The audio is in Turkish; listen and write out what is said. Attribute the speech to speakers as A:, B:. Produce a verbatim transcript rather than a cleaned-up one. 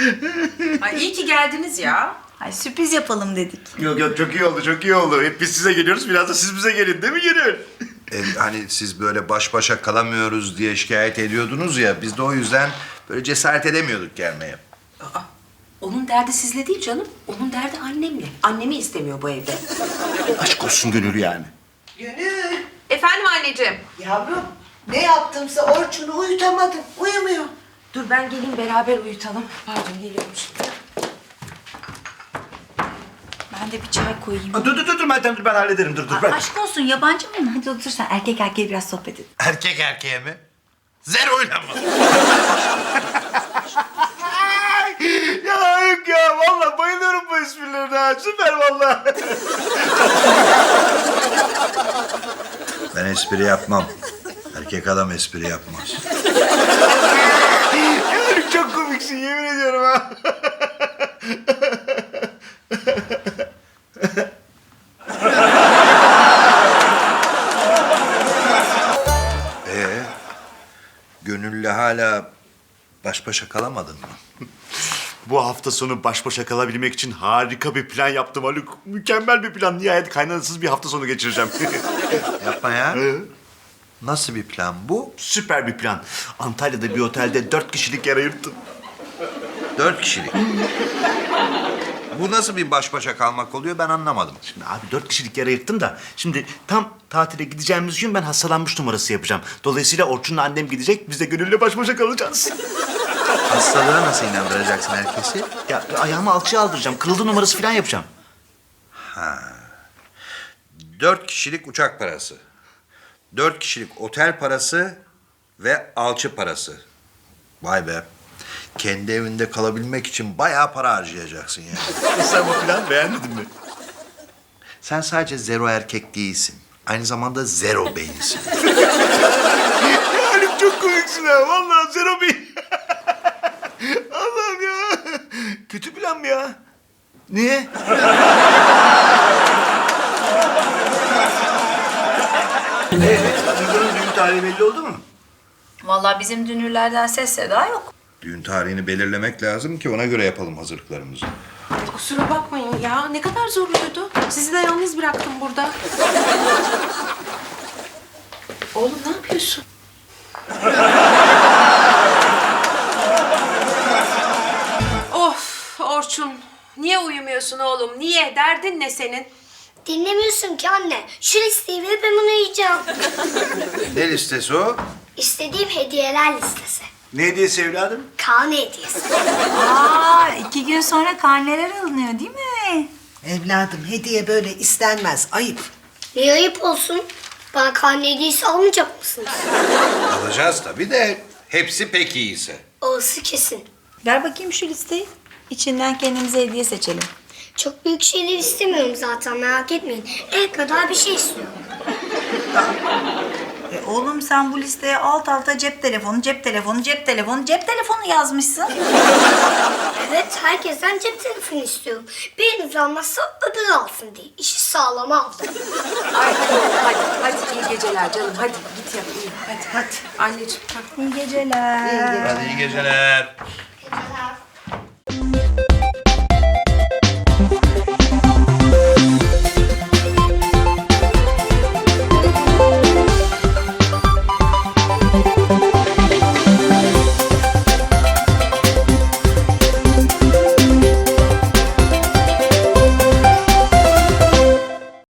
A: Ay iyi ki geldiniz ya.
B: Ay sürpriz yapalım dedik.
C: Yok yok çok iyi oldu çok iyi oldu. Hep biz size geliyoruz biraz da siz bize gelin değil mi Gönül?
D: E, hani siz böyle baş başa kalamıyoruz diye şikayet ediyordunuz ya. Biz de o yüzden böyle cesaret edemiyorduk gelmeye.
A: Aa, onun derdi sizle değil canım. Onun derdi annemle. Annemi istemiyor bu evde.
C: Aşk olsun Gönül yani.
E: Gönül,
A: Efendim anneciğim.
E: yavrum ne yaptımsa Orçun'u uyutamadım. Uyumuyor.
A: Dur ben geleyim beraber uyutalım. Pardon geliyorum şimdi.
B: Ben de bir çay koyayım.
C: Aa, dur dur dur dur Meltem dur ben hallederim dur dur.
B: Ay,
C: Ben...
B: aşk olsun yabancı mıyım? Hadi otur sen erkek erkeğe biraz sohbet edin.
D: Erkek erkeğe mi? Zero'yla mı?
C: Ya yok ya vallahi bayılıyorum bu esprilerine ha. Süper vallahi.
D: Ben espri yapmam. Erkek adam espri yapmaz.
C: Gönül çok komiksin yemin ediyorum ha.
D: Ee, Gönül'le hala baş başa kalamadın mı?
C: Bu hafta sonu baş başa kalabilmek için harika bir plan yaptım Haluk. Mükemmel bir plan. Nihayet kaynanasız bir hafta sonu geçireceğim.
D: Yapma ya. Nasıl bir plan bu?
C: Süper bir plan. Antalya'da bir otelde dört kişilik yer ayırttım.
D: Dört kişilik. Bu nasıl bir baş başa kalmak oluyor ben anlamadım.
C: Şimdi abi dört kişilik yer ayırttım da şimdi tam tatile gideceğimiz gün ben hastalanmış numarası yapacağım. Dolayısıyla Orçun'la annem gidecek, biz de Gönül'le baş başa kalacağız.
D: Hastalığa nasıl inandıracaksın herkesi?
C: Ya ayağımı alçıya aldıracağım, kırıldı numarası falan yapacağım.
D: Dört kişilik uçak parası. Dört kişilik otel parası ve alçı parası. Vay be. Kendi evinde kalabilmek için bayağı para harcayacaksın yani.
C: Sen bu planı beğenmedin mi?
D: Sen sadece zero erkek değilsin. Aynı zamanda zero beyinsin.
C: Ya Haluk çok komiksin ha, vallahi Zero Bey. Allah'ım ya. Kötü plan mı ya? Niye? Ee, Duygu'nun düğün tarihi belli oldu mu?
B: Vallahi bizim dünürlerden ses seda yok.
D: Düğün tarihini belirlemek lazım ki ona göre yapalım hazırlıklarımızı.
A: Kusura bakmayın ya. Ne kadar zorluydu. Sizi de yalnız bıraktım burada. Oğlum ne yapıyorsun? Of Orçun. Niye uyumuyorsun oğlum? Niye? Derdin ne senin?
F: Dinlemiyorsun ki anne. Şu listeyi verip hemen uyuyacağım.
D: Ne listesi o?
F: İstediğim hediyeler listesi.
C: Ne hediyesi evladım?
F: Karne hediyesi.
B: Aa iki gün sonra karneler alınıyor değil mi?
E: Evladım hediye böyle istenmez. Ayıp.
F: Niye ayıp olsun? Bana karne hediyesi almayacak mısınız?
D: Alacağız tabii de hepsi pek iyiyse.
F: Orası kesin.
B: Ver bakayım şu listeyi. İçinden kendimize hediye seçelim.
F: Çok büyük şeyler istemiyorum zaten, merak etmeyin. El kadar bir şey istiyorum.
B: E oğlum sen bu listeye alt alta cep telefonu, cep telefonu, cep telefonu, cep telefonu yazmışsın.
F: Evet, herkesten cep telefonu istiyorum. Biriniz almazsa öbürü alsın diye. İşi sağlam aldım.
A: Ay hadi oğlum hadi. Hadi iyi geceler canım. Hadi git yat uyu. Hadi hadi. Anneciğim. Hadi.
B: İyi geceler.
D: Hadi iyi geceler.